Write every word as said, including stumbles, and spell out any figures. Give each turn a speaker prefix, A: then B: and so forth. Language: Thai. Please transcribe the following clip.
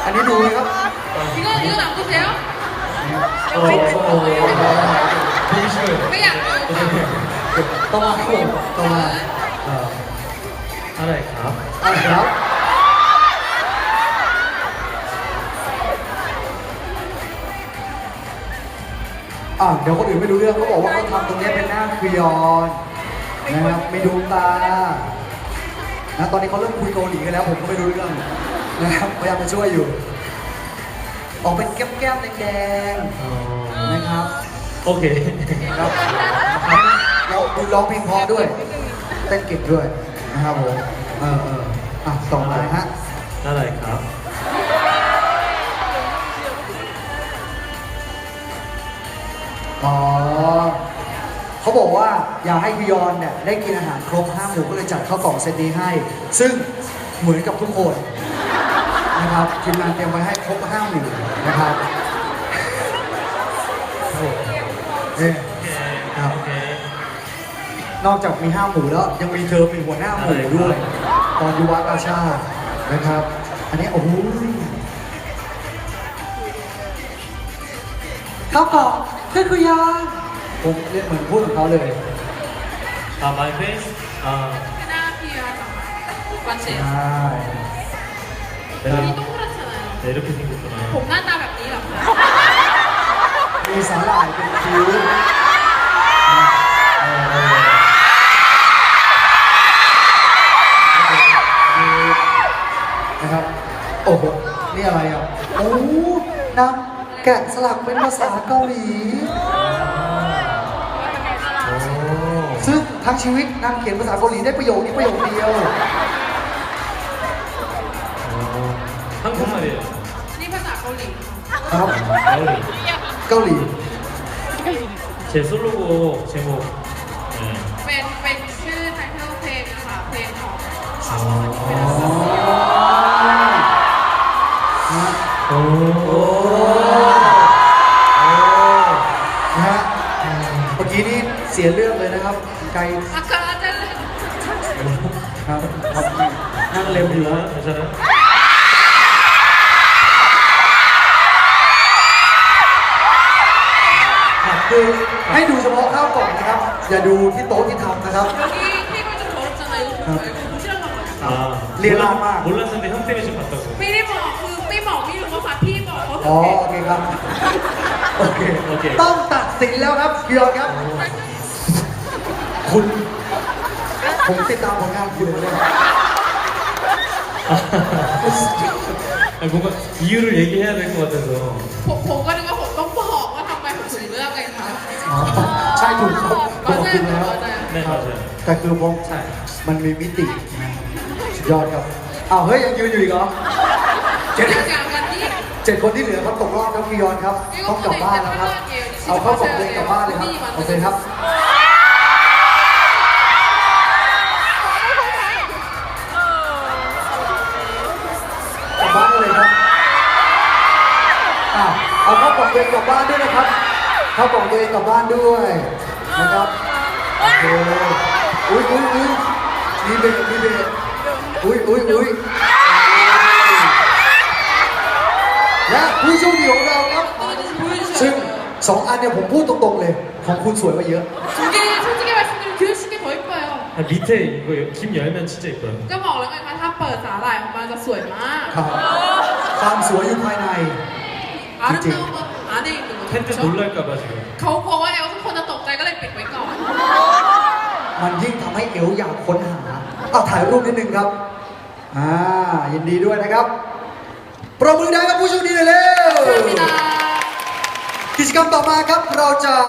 A: อันนี้ดูไหมครับ
B: 이거 이건 안 보세요?
A: โอ้โหดีเชื่อ
B: ไม่อยากดูค่ะ
A: ต้องมาครับผมต้องมาเอ่อ
C: อะไรครับ
A: อะไรครับอ่ะเดี๋ยวคนอื่นไม่รู้เรื่องเขาบอกว่าเขาทำตรงนี้เป็นหน้าครีออนนะครับมีดวงตานะตอนนี้เขาเริ่มคุยเกาหลีกันแล้วผมก็ไม่รู้เรื่องนะครับพยายามมาช่วยอยู่ ออกเป็นแก้มๆแดง
C: อ๋อ
A: ๆนะครับ
C: โอเค
A: ครับเราดูร้องเพลงเพราะด้วยเต้นเก่งด้วยนะครับผมเออเอออ่ะต่อมาฮะ
C: อะไรครับ
A: อ๋อเขาบอกว่าอยากให้พิยอนเนี่ยได้กินอาหารครบห้าหมู่ก็เลยจัดข้าวกล่องเซตนี้ให้ ซึ่งเหมือนกับทุกคนนะครับทีมงานเตรียมไว้ให้ครบห้าหมู่นะครับเอ๊ะครับ
C: โอเค
A: นอกจากมีห้าหมู่แล้วยังมีเธอเป็นหัวหน้าหมู่ด้วย ตอนยุวกาชาตินะครับ อันนี้โอ้โหข้าวกล่องเพื่อนคุยาผมเรียกเหมือนพูดของเขาเลย
C: 아, my face? 아,
B: หน้าเพียร์วันเสร็จ
A: ใช่
B: นี่
C: 내가
B: ต้องรัชนะ
C: 네, 이렇게 생겼구나.
B: ผมหน้าตาแบบนี้เหรอคะ
A: มีสาหร่ายเป็นคิ้วเออเออนะครับ โอ้โห นี่อะไรอ่ะ โอ้น้ำแกะสลักเป็นภาษาเกาหลี
C: 오.
A: ซึ่งทั้งชีวิตนางเขียนภาษาเกาหลีได้ประโยคนี้ประโยคเดียว
C: 어, 한국말이에요.
B: นี่ภาษาเกาหลี
A: ครับ
C: 가을이.
A: เกาหลี
C: 제 솔로곡 제목. 네.
B: เป็นเป็นชื่อไทเทลเพลงนะคะเพลงของ
A: อ๋อ
C: 오.
A: โอ้นะฮะเมื่อกี้นี้เสียเรื่องเลยนะครับ ไกล
B: อาคาจะ
A: ครับครับนั่งเล็มอยู่ฮะ
C: 괜찮아?
A: คือให้ดูเฉพาะข้าวกล่องนะครับ อย่าดูที่โต๊ะที่ทำนะครับ
B: 여기 테이블 좀 더럽잖아요. 이거 좀 말고 보시라고 한 거예요.
C: 아,
A: 리얼한
C: 몰랐-
A: 막.
C: 몰랐는데 형 때문에 지금 봤다고.
B: ไม่ได้บอกคือไม่บอกไม่รู้ว่าพี่บอกเขา
A: อ๋อ
B: ทำ
A: โอเคครับ โอเค
C: โอเค
A: ต้องตัดสินแล้วครับพี่ยอนครับ คุณ ผมติดตามผลงานคุณเลย
C: 아니, 뭔가 이유를 얘기해야 될 것 같아서.
B: ผมผมก็นึกว่าผมต้องบอกว่าทำไมผมถึงเลือกไงคะ
A: อ๋อ ใช่ถูกครับบอกคุณแล้ว
C: 네, 맞아요.
A: แต่คือผม
C: ใช่
A: มันมีมิติสุดยอดครับอ้าวเฮ้ย ยังยืนอยู่อีกเหรอเจ็ด
B: อย่างวันนี้
A: เจ็ดคนที่เหลือเขาตกรอบครับพี่ยอนครับต้องกลับบ้านแล้วครับ เอาเข้ากล่องเลยกลับบ้านเลยครับ โอเคครับ กลับบ้านเลยครับอ่ะเอาเข้ากล่องตัวเองกลับบ้านด้วยนะครับ เข้ากล่องตัวเองกลับบ้านด้วยนะครับ โอเค อุ้ยอุ้ยอุ้ยมีเบรกมีเบรกอุ้ยอุ้ยอุ้ยและผู้โชคดีของเราครับ ซึ่งสองอันเนี่ยผมพูดตรงๆเลย ของคุณสวยกว่าเยอะ
B: 두 개 솔직히 말씀드리면 규현 씨게 더 이뻐요.
C: 아, 밑에 이거 김 열면 진짜 이뻐요.
B: ก็บอกแล้วไงคะถ้าเปิดสาหร่ายออกมาจะสวยมาก
A: ครับความสวยอยู่ภายใน
B: อาร์ตเนอร์อันนี้หนึ่ง
C: 팬들 놀랄까봐 지금.
B: เขากลัวว่าเอลทุกคนจะตกใจก็เลยปิดไว้ก่อน
A: มันยิ่งทำให้เอวอยากค้นหาเอาถ่ายรูปนิดนึงครับ อ่า ยินดีด้วยนะครับ ปรบมือได้กับผู้โชคดีเลยเร็ว
B: 감사합니다.
A: กิจกรรมต่อมาครับ เราจะ